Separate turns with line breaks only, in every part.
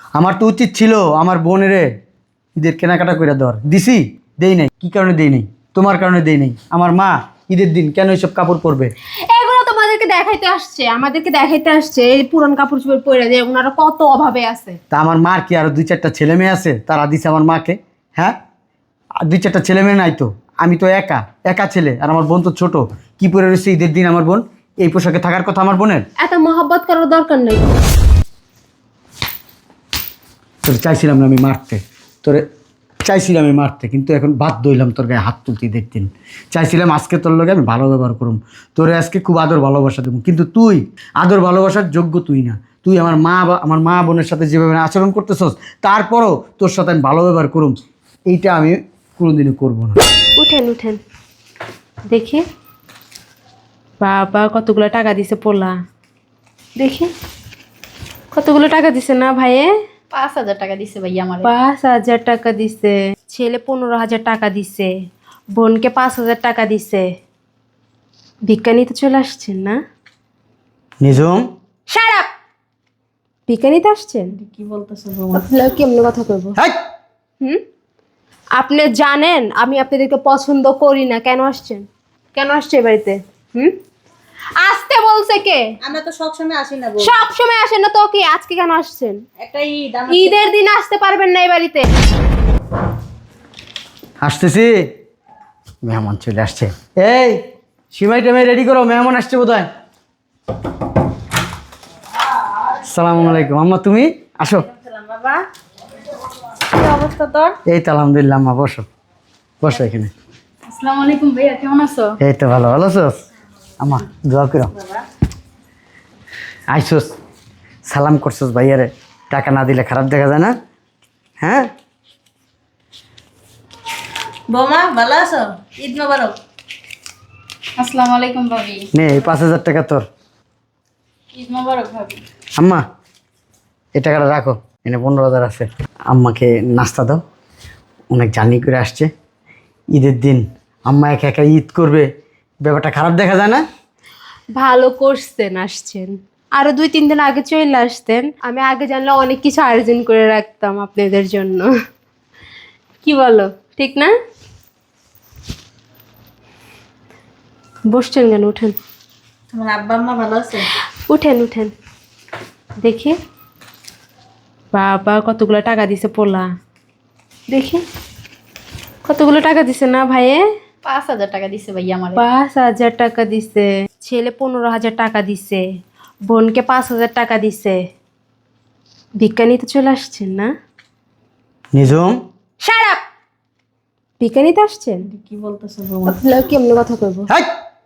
আমার তো উচিত ছিল আমার বোনেরে ঈদের কেনাকাটা করে দেওয়ার। দিছি? দেই নাই। কি কারণে দেই নাই? তোমার কারণে দেই নাই। আমার মা ঈদের দিন কেন এইসব কাপড় পরবে?
এগুলো তোমাদেরকে দেখাইতে আসছে, আমাদেরকে দেখাইতে আসছে এই পুরান কাপড় চোপড় পরে যে ওনারা কত অভাবে আছে।
তা আমার মার কি আরো দুই চারটা ছেলে মেয়ে আছে, তারা দিছে আমার মাকে? হ্যাঁ, আর দুই চারটা ছেলে মেয়ে নাই তো, আমি তো একা একা ছেলে, আর আমার বোন তো ছোট। কি পরে রয়েছে ঈদের দিন আমার বোন? এই পোশাকে থাকার কথা আমার বোনের?
এত মহব্বত করার দরকার নেই।
তোর চাইছিলাম না আমি মারতে, তোরে চাইছিলাম আমি মারতে, কিন্তু এখন বাধ্য হইলাম তোর গায়ে হাত তুলতে ঈদের দিন। চাইছিলাম আজকে তোর লগে আমি ভালো ব্যবহার করুম, তোরে আজকে খুব আদর ভালোবাসা দেবো, কিন্তু তুই আদর ভালোবাসার যোগ্য তুই না। তুই আমার আমার মা বোনের সাথে যেভাবে আচরণ করতেছস, তারপরও তোর সাথে আমি ভালো ব্যবহার করুম, এইটা আমি কোনোদিনও করবো না।
উঠেন উঠেন, দেখি বাবা কতগুলো টাকা দিছে পোলা, দেখি কতগুলো টাকা দিছে না ভাইয়ে?
5,000 টাকা দিছে ভাইয়া আমার।
5,000 টাকা দিছে, ছেলে 15,000 টাকা দিছে, বোনকে 5,000 টাকা দিছে। ভিক্ষা নিতে চলে আসছেন না?
নিজম
Shut up! ভিক্ষা নিতে আসছেন?
কি বলতেছো বৌমা?
আপনারা কেমন কথা কইবো?
হাই!
আপনি জানেন আমি আপনাদেরকে পছন্দ করি না, কেন আসছেন? কেন আসছে এ বাড়িতে? আসতে বলছে কে?
আমরা তো সব সময় আসি না বউ।
সব সময় আসেন না তো কি, আজকে কেন আসছেন?
একটা ঈদ
ঈদের দিন আসতে পারবেন না এই বাড়িতে।
আসতেছি, মেহমান চলে আসছে। এই সিমাই টাইমে রেডি করো, মেহমান আসছে বোধহয়। আসসালামু আলাইকুম আম্মা, তুমি আসো।
বাবা, কি অবস্থা তোর?
এই তো আলহামদুলিল্লাহ আম্মা, বসো বসো এখানে।
আসসালামু আলাইকুম ভাইয়া, কেমন আছো?
এই তো ভালো ভালো আছোস আম্মা, দোয়া করো। আইসোস, সালাম করছোস ভাইয়ারে, টাকা না দিলে খারাপ দেখা যায় না? হ্যাঁ
বৌমা ভালো আছো? ঈদ মোবারক। আসসালামু আলাইকুম ভাবি।
নে এই 5,000 টাকা তোর।
ঈদ মোবারক ভাবি।
আম্মা এই টাকাটা রাখো, এনে 15,000 আছে। আম্মাকে নাস্তা দাও, অনেক জার্নি করে আসছে। ঈদের দিন আম্মা একা একা ঈদ করবে, ব্যাপারটা খারাপ দেখা যায় না?
ভালো করছেন আসছেন, আরো 2-3 দিন আগে চলে আসতেন, আমি আগে জানলে অনেক কিছু আয়োজন করে রাখতাম আপনাদের জন্য। কি বলো, ঠিক না? বসছেন কেন? উঠেন
তোমার আব্বা আম্মা ভালো আছে?
উঠেন উঠেন, দেখি বাবা কতগুলো টাকা দিছে পোলা, দেখি কতগুলো টাকা দিছে না ভাইয়ে?
5,000 টাকা দিছে ভাইয়া আমার।
5,000 টাকা দিছে, ছেলে 15,000 টাকা দিছে, বোনকে 5,000 টাকা দিছে। ভিক্ষা নিতে চলে আসছেন না?
নিজম
Shut up! ভিক্ষা নিতে আসছেন?
কি বলতেছো বৌমা?
আপনারা কেমন কথা কইবো?
হাই!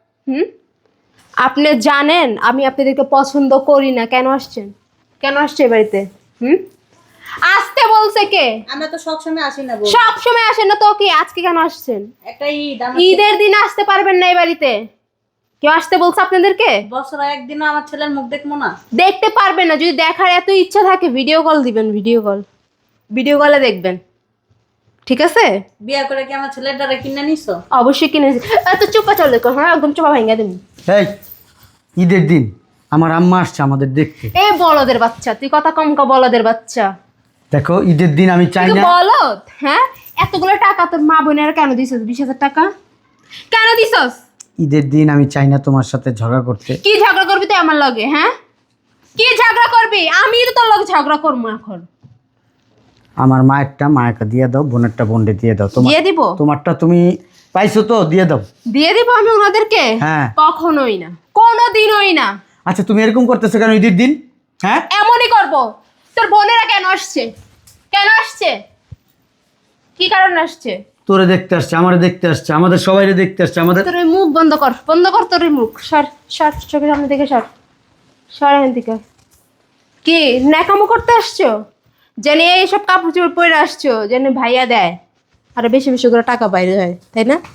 আপনি জানেন আমি আপনাদেরকে পছন্দ করি না, কেন আসছেন? কেন আসছে এ বাড়িতে? আসতে বলছে কে?
আমরা তো সব সময় আসি না বউ।
সব সময় আসেন না তো কি, আজকে কেন আসছেন?
একটা ঈদ
ঈদের দিন আসতে পারবেন না এই বাড়িতে। কেউ আসতে বলছে আপনাদেরকে?
বছরে একদিনও আমার ছেলের মুখ দেখবো না?
দেখতে পারবেন না, যদি দেখার এত ইচ্ছা থাকে ভিডিও কল দিবেন, ভিডিও কলে দেখবেন, ঠিক আছে?
বিয়ে করে কি আমার ছেলের দ্বারা কিনে নিছো?
অবশ্যই কিনেছি। এত চুপা চলে কর, হ্যাঁ একদম চুপা ভাঙা দেবেন।
এই ঈদের দিন আমার আম্মা আসছে আমাদের দেখতে।
এ বলদের বাচ্চা, তুই কথা কম কা, বলদের বাচ্চা।
দেখো ঈদের দিন আমি চাই
তুই
না।
বলদ, হ্যাঁ? এতগুলো টাকা তোর মা বোনের কেন দিছস? 20,000 টাকা কেন দিছস?
ঈদের দিন আমি চাই না তোমার সাথে ঝগড়া করতে।
কি ঝগড়া করবি তুই আমার লগে? হ্যাঁ, কি ঝগড়া করবি? আমি তো তোর লগে ঝগড়া করবো এখন।
আমার মায়েরটা মায়েরটা দিয়ে দাও, বোনেরটা বোনকে দিয়ে দাও।
দিয়ে দিব?
তোমারটা তুমি পাইছো তো, দিয়ে দাও।
দিয়ে দিব আমি ওনাদেরকে?
হ্যাঁ।
কখনোই না, কোনোদিনই না।
আচ্ছা তুমি এরকম করতেছো কেন ঈদের দিন? হ্যাঁ,
এমনই করব। তোর বোনেরা কেন আসছে? কেন আসছে? কি কারণে আসছে?
তোরে দেখতে আসছে, আমারে দেখতে আসছে, আমাদের সবাইরে দেখতে আসছে, আমাদের।
তোর ওই মুখ বন্ধ কর, বন্ধ কর তোর ওই মুখ। সর সর, চোখের সামনে থেকে সর, সর এখান থেকে। কি ন্যাকামো করতে আসছো? জানি এইসব কাপড় চোপড় পরে আসছো জানি ভাইয়া দেয়, আরো বেশি বেশি করে টাকা বাইরে হয়, তাই না?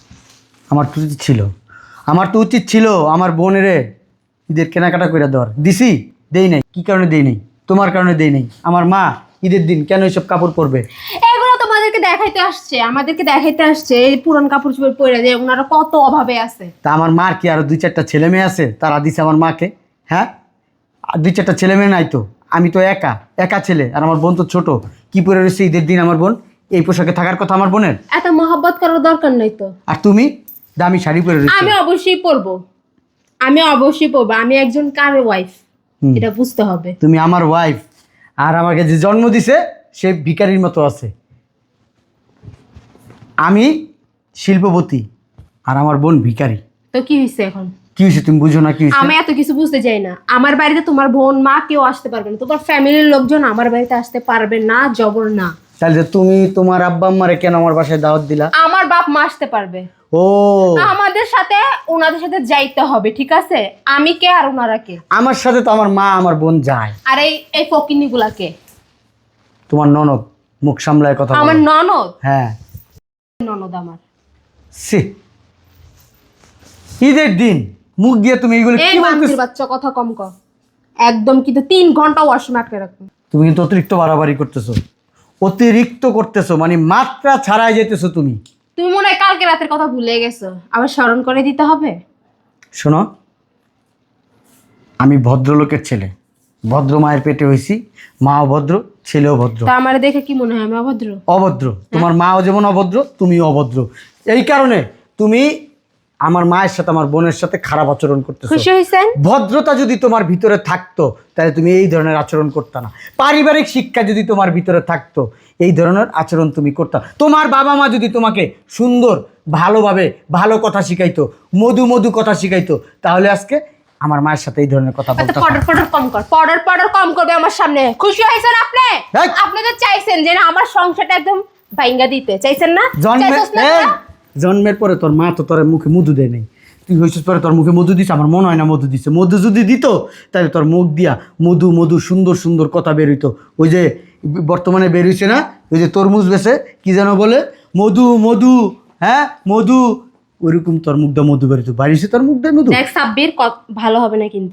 আমার তো উচিত ছিল আমার বোনেরে ঈদের কেনাকাটা করে দেওয়ার। দিছি? দেই নাই। কি কারণে দেই নাই? তোমার কারণে দেই নাই। আমার মা ঈদের দিন কেন এইসব কাপড় পরবে?
এগুলো তোমাদেরকে দেখাইতে আসছে, আমাদেরকে দেখাইতে আসছে এই পুরান কাপড় চোপড় পরে যে ওনারা কত অভাবে আছে।
তা আমার মার কি আরো দুই চারটা ছেলে মেয়ে আছে, তারা দিছে আমার মাকে? হ্যাঁ, আর দুই চারটা ছেলে মেয়ে নাই তো, আমি তো একা একা ছেলে, আর আমার বোন তো ছোট। কি পরে রয়েছে ঈদের দিন আমার বোন? এই পোশাকে থাকার কথা আমার বোনের।
এত মহব্বত করার দরকার নাই তো।
আর তুমি দামি শাড়ি পরে রয়েছে।
আমি অবশ্যই পরবো, আমি একজন কার ওয়াইফ, এটা বুঝতে হবে।
তুমি আমার ওয়াইফ, আর আমাকে যে জন্ম দিছে সে ভিখারির মতো আছে। আমি শিল্পপতি আর আমার বোন ভিখারি।
তো কি হয়েছে এখন?
কি হয়েছে তুমি বুঝো না? কি হয়েছে?
আমি এত কিছু বুঝতে চাই না। আমার বাড়িতে তোমার বোন মা কেউ আসতে পারবে না, তোমার ফ্যামিলির লোকজন আমার বাড়িতে আসতে পারবে না, জবর না।
তাহলে তুমি তোমার আব্বা আম্মারে কেন আমার বাসায় দাওয়াত দিলা?
আমার বাপ মা আসতে পারবে,
ও
আমাদের সাথে ওনাদের সাথে যাইতে হবে, ঠিক আছে? আমি কে আর ওনারা কে?
আমার সাথে তো আমার মা আমার বোন যায়।
আর এই এই ফকিনি গুলাকে?
তোমার ননদ, মুখ সামলায় কথা বলো।
আমার ননদ?
হ্যাঁ
ননদ আমার।
সি ঈদের দিন মুখ দিয়ে তুমি এইগুলো
এই
কি
বান্দির
বলতেছ?
বাচ্চা কথা কম কর একদম, কিন্তু 3 ঘন্টা ওয়াশরুমে আটকে রাখবো।
তুমি কিন্তু অতিরিক্ত বাড়াবাড়ি করতেছো, অতিরিক্ত করতেছো, মানে মাত্রা ছাড়াই যেতেছো তুমি।
তুমি মনে হয় কালকে রাতের কথা ভুলে গেছো, আবার স্মরণ করে দিতে হবে?
শোনো, আমি ভদ্রলোকের ছেলে, ভদ্র মায়ের পেটে হয়েছি, মাও ভদ্র, ছেলেও ভদ্র।
তা আমার দেখে কি মনে হয় আমি অভদ্র?
অভদ্র তোমার মাও যেমন অভদ্র, তুমিও অভদ্র। এই কারণে তুমি আমার মায়ের সাথে আমার বোনের সাথে খারাপ আচরণ করতেছো।
খুশি হয়েছেন?
ভদ্রতা যদি তোমার ভিতরে থাকতো তাহলে তুমি এই ধরনের আচরণ করতে না। পারিবারিক শিক্ষা যদি তোমার ভিতরে থাকতো এই ধরনের আচরণ তুমি করতে। তোমার বাবা মা যদি তোমাকে সুন্দর ভালোভাবে ভালো কথা শিখাইতো, মধু মধু কথা শিখাইতো, তাহলে আজকে আমার মায়ের সাথে এই ধরনের কথা বলতে।
পডার পডার কম কর, পডার কম করবে আমার সামনে। খুশি হয়েছেন আপনি?
এই!
আপনি তো চাইছেন যে না আমার সংসারটা একদম ভাঙ্গা দিতে চাইছেন না?
জন্মের
চাইছস না
এই,
তোরা?
জন্মের পরে তোর মা তো তোর মুখে মধু দেয় নাই, তুই হয়েছিস পরে তোর মুখে মধু দিছে? আমার মনে হয় না মধু দিছে। মধু যদি দিত তাহলে তোর মুখ দিয়া মধু মধু সুন্দর সুন্দর কথা বেরোইতো। ওই যে বর্তমানে বেরোইছে না, ওই যে তরমুজ বেছে কি যেন বলে, মধু মধু, হ্যাঁ মধু, ওইরকম তোর মুখটা মধু বেরোতো। বাড়িছে তোর মুখ দিয়ে মধু।
দেখ সাব্বির, ভালো হবে না কিন্তু।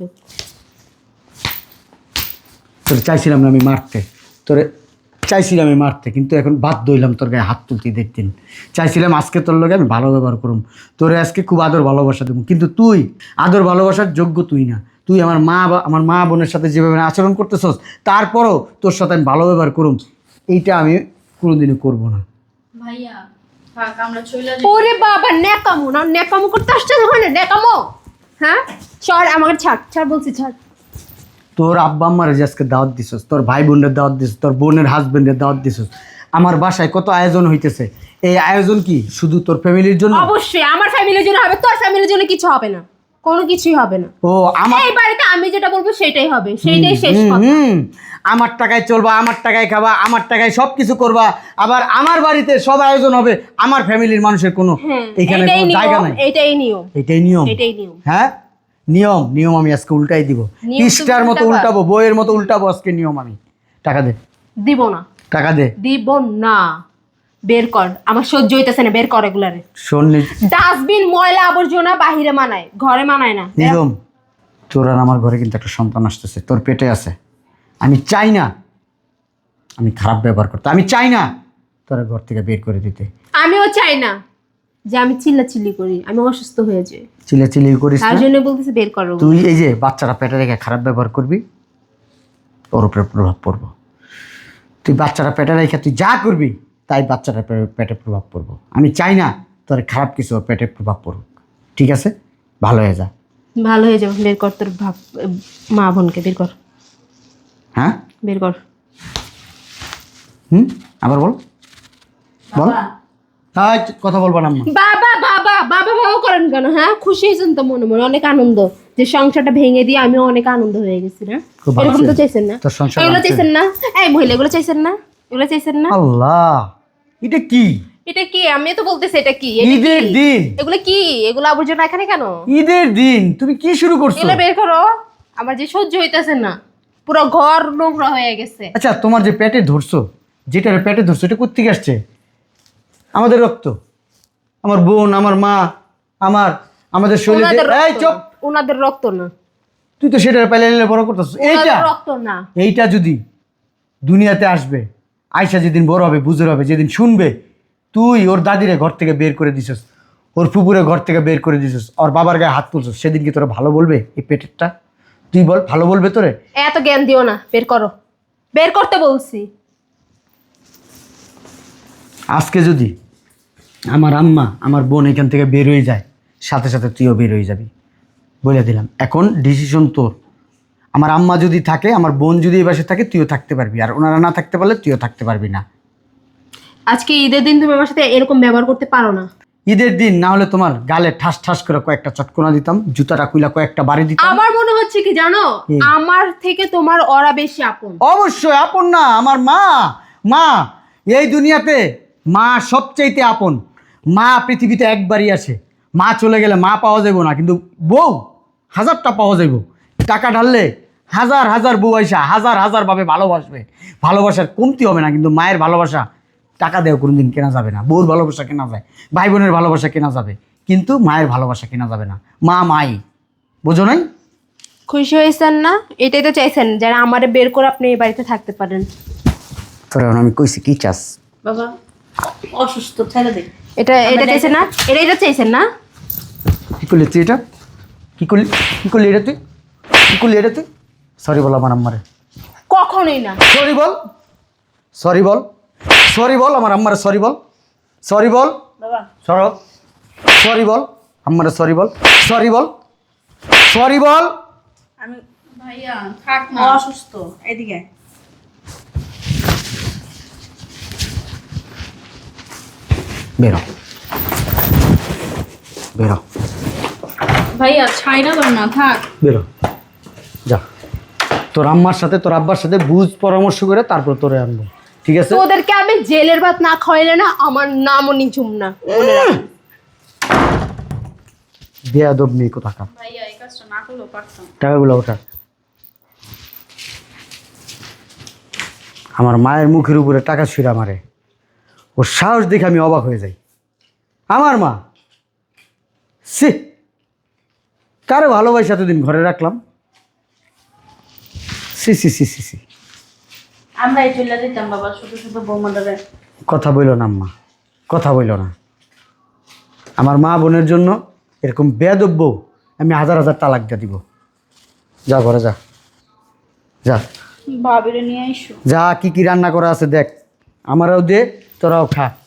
তোরে চাইছিলাম না আমি মারতে, তোরে চাইছিলাম আমি মারতে, কিন্তু এখন বাধ্য হইলাম তোর গায়ে হাত তুলতে। দেখতেন চাইছিলাম আজকে তোর লগে আমি ভালো ব্যবহার করুম, তোরে আজকে খুব আদর ভালোবাসা দেবো, কিন্তু তুই আদর ভালোবাসার যোগ্য তুই না। তুই আমার মা বোনের সাথে যেভাবে আচরণ করতেছস, তারপরও তোর সাথে আমি ভালো ব্যবহার করুম, এইটা আমি কোনোদিনও করবো না।
ভাইয়া থাক, আমরা চলে যাই।
ওরে বাবা, নেকামো না, নেকামো করতে আসছে যখন নেকামো। হ্যাঁ ছাড়, আমাকে ছাড়, ছাড় বলছি, ছাড়।
তোর আব্বা আম্মারে যে আজকে দাওয়াত দিছস, তোর ভাই বোনের দাওয়াত দিছস, তোর বোনের হাজবেন্ডের দাওয়াত দিছস, আমার বাসায় কত আয়োজন হইতেছে। এই আয়োজন কি শুধু তোর ফ্যামিলির জন্য?
অবশ্যই আমার ফ্যামিলির জন্য হবে, তোর ফ্যামিলির জন্য কিছু হবে না, কোনো কিছুই হবে না।
ও আমার
এই বাড়িতে আমি যেটা বলবো সেটাই হবে, সেইটাই শেষ কথা।
আমার টাকায় চলবা, আমার টাকায় খাবা, আমার টাকায় সব কিছু করবা, আবার আমার বাড়িতে সব আয়োজন হবে, আমার ফ্যামিলির মানুষের কোনো এখানে
এটাই
কোনো জায়গা
নিয়ম,
নাই।
এটাই নিয়ম,
এটাই নিয়ম।
এটাই নিয়ম।
হ্যাঁ নিয়ম, নিয়ম আমি আজকে উল্টাই দিব,
নিয়ম তুমি
পৃষ্ঠার মতো
উল্টাবা?
উল্টাবো, বইয়ের মতো উল্টাবো আজকে নিয়ম আমি। টাকা দে,
দিব না,
টাকা দে।
দিব না। বের কর, আমার সহ্য হইতেছে না, বের কর এগুলারে।
শোন
ডাস্টবিন ময়লা আবর্জনা বাহিরে মানায়, ঘরে মানায় না।
নিয়ম, তোর আর আমার ঘরে কিন্তু একটা সন্তান আসতেছে, তোর পেটে আছে। আমি চাই না আমি খারাপ ব্যবহার করতে, আমি চাই না তোর ঘর থেকে বের করে দিতে।
আমিও চাই না যে আমি চিল্লাচিল্লি করি, আমি অসুস্থ হয়ে যাই,
চিল্লাচিল্লি করিস
তার
না।
জন্য বলতেছি বের করো।
তুই এই যে বাচ্চারা পেটে রেখে খারাপ ব্যবহার করবি, ওর উপরে প্রভাব পড়বো। তুই বাচ্চারা পেটে রেখে তুই যা করবি তাই বাচ্চারা পেটে প্রভাব পড়বো। আমি চাই না তোর খারাপ কিছু ওর পেটে প্রভাব পড়ুক, ঠিক আছে? ভালো হয়ে যা।
ভালো হয়ে যাবে, বের কর তোর মা বোনকে, বের কর,
হ্যাঁ
বের কর।
আবার বল, বল। তাই কথা বলবো না আম্মা।
বাবা বাবা বাবা বাবা করেন কেন? হ্যাঁ খুশি হয়েছেন তো মনে মনে, অনেক আনন্দ যে সংসারটা ভেঙে দিয়ে আমিও অনেক আনন্দ হয়ে গেছি না?
খুব ভালো
এরকম তো
ছিল।
চাইছেন না?
তোর সংসার
এগুলো
ভাঙছে।
চাইছেন না? এই মহিলা এগুলো চাইছেন না? এগুলো চাইছেন না?
আল্লাহ, এটা কি?
এটা কি? আমি তো বলতেছি এটা কি? এটা
ঈদের
কি?
দিন,
এগুলো কি? এগুলো আবর্জনা এখানে কেন?
ঈদের দিন তুমি কি শুরু করছো?
এগুলো বের করো, আমার যে সহ্য হইতেছে না, পুরো ঘর নোংরা হয়ে গেছে।
আচ্ছা তোমার যে পেটে ধরছো, যেটা পেটে ধরছো, এটা কোত্থেকে আসছে? আমাদের রক্ত, আমার বোন, আমার মা, আমাদের শরীরে।
ওনাদের
এই
রক্ত
চুপ,
না, ওনাদের রক্ত না,
তুই তো সেটা পেলে নিলে বড় করতেছ। এইটা
ওনাদের রক্ত না।
এইটা যদি দুনিয়াতে আসবে, আয়সা যেদিন বড় হবে, বুঝর হবে, যেদিন শুনবে তুই ওর দাদিরে ঘর থেকে বের করে দিছস, ওর ফুপুরে ঘর থেকে বের করে দিছস, ওর বাবার গায়ে হাত তুলছস, সেদিন কি তোরা ভালো বলবে এই পেটেরটা? তুই বল, ভালো বলবে তোরে?
এত জ্ঞান দিও না, বের করো, বের করতে বলছি।
আজকে যদি আমার আম্মা আমার বোন এখান থেকে বের হয়ে যায়, সাথে সাথে তুইও বের হয়ে যাবি, বলে দিলাম। এখন ডিসিশন তোর। আমার আম্মা যদি থাকে, আমার বোন যদি এই বাসে থাকে, তুইও থাকতে পারবি, আর ওনারা না থাকতে পারলে তুইও থাকতে পারবি না।
আজকে ঈদের দিন তুমি আমার সাথে এরকম ব্যবহার করতে পারো না।
ঈদের দিন না হলে তোমার গালে ঠাস ঠাস করে কয়েকটা চটকোনা দিতাম, জুতাটা কুইলা কয়েকটা বাড়ি দিতাম।
আমার মনে হচ্ছে কি জানো, আমার থেকে তোমার ওরা বেশি আপন।
অবশ্যই আপন না, আমার মা। মা এই দুনিয়াতে মা সবচাইতে আপন। মা পৃথিবীতে একবারই আসে। মা চলে গেলে মা পাওয়া যাবে না, কিন্তু বউ হাজারটা পাওয়া যাইব। টাকা ঢাললে হাজার হাজার বউ আইসা হাজার হাজার ভাবে ভালোবাসবে, ভালোবাসার কমতি হবে না। কিন্তু মায়ের ভালোবাসা টাকা দেওয়া কোনোদিন কেনা যাবে না। বউর ভালোবাসা কেনা যায়, ভাই বোনের ভালোবাসা কেনা যাবে, কিন্তু মায়ের ভালোবাসা কেনা যাবে না। মা মাই, বোঝো নাই?
খুশি হয়েছেন না? এটাই তো চাইছেন, যারা আমারে বের করে আপনি এই বাড়িতে থাকতে পারেন।
তোর আমি কইছি কি চাস?
বাবা অসুস্থ, ছেড়ে দে।
এটা চাইছেন না? এটা চাইছেন না?
কি করলি তুই এটা? কি করলি এটা তুই? কি করলি এটা তুই? সরি বল আমার আম্মারে,
কখনোই না।
সরি বল, সরি বল, সরি বল আমার আম্মারে, সরি বল, সরি বল,
বাবা
সর, সরি বল আম্মারে, সরি বল, সরি বল, সরি বল।
আমি ভাইয়া থাক না, অসুস্থ। এদিকে
বেরো, বেরো,
ভাইয়া ছাইরা দাও না, থাক।
বেরো, যা। তোর আম্মার সাথে তোর আব্বার সাথে বুঝ পরামর্শ করে তারপর তোরে আনবো, ঠিক আছে?
তোদেরকে আমি জেলের ভাত না খাওয়াইলে না আমার নামও নিঝুম না।
বেয়াদব মেয়ে কোথাকার।
ভাইয়া এই কাজটা না করলেও পারতাম।
টাকাগুলো ওঠা। আমার মায়ের মুখের উপরে টাকা ছুঁড়া মারে, ওর সাহস দেখে আমি অবাক হয়ে যাই। আমার মা, সে কারো ভালোবাসা এতদিন ঘরে রাখলাম। সি সি সি সি সি,
আমরা এই চলে দিতাম বাবা, শুধু শুধু বৌমাদারে।
কথা বইল না আম্মা, কথা বইল না। আমার মা বোনের জন্য এরকম বেয়াদব বউ আমি হাজার হাজার তালাক দিয়ে দিব। যা ঘরে যা, যা
ভাবিরে নিয়ে আইসো।
যা, কি কি রান্না করা আছে দেখ, আমারও দে, তোরাও খা।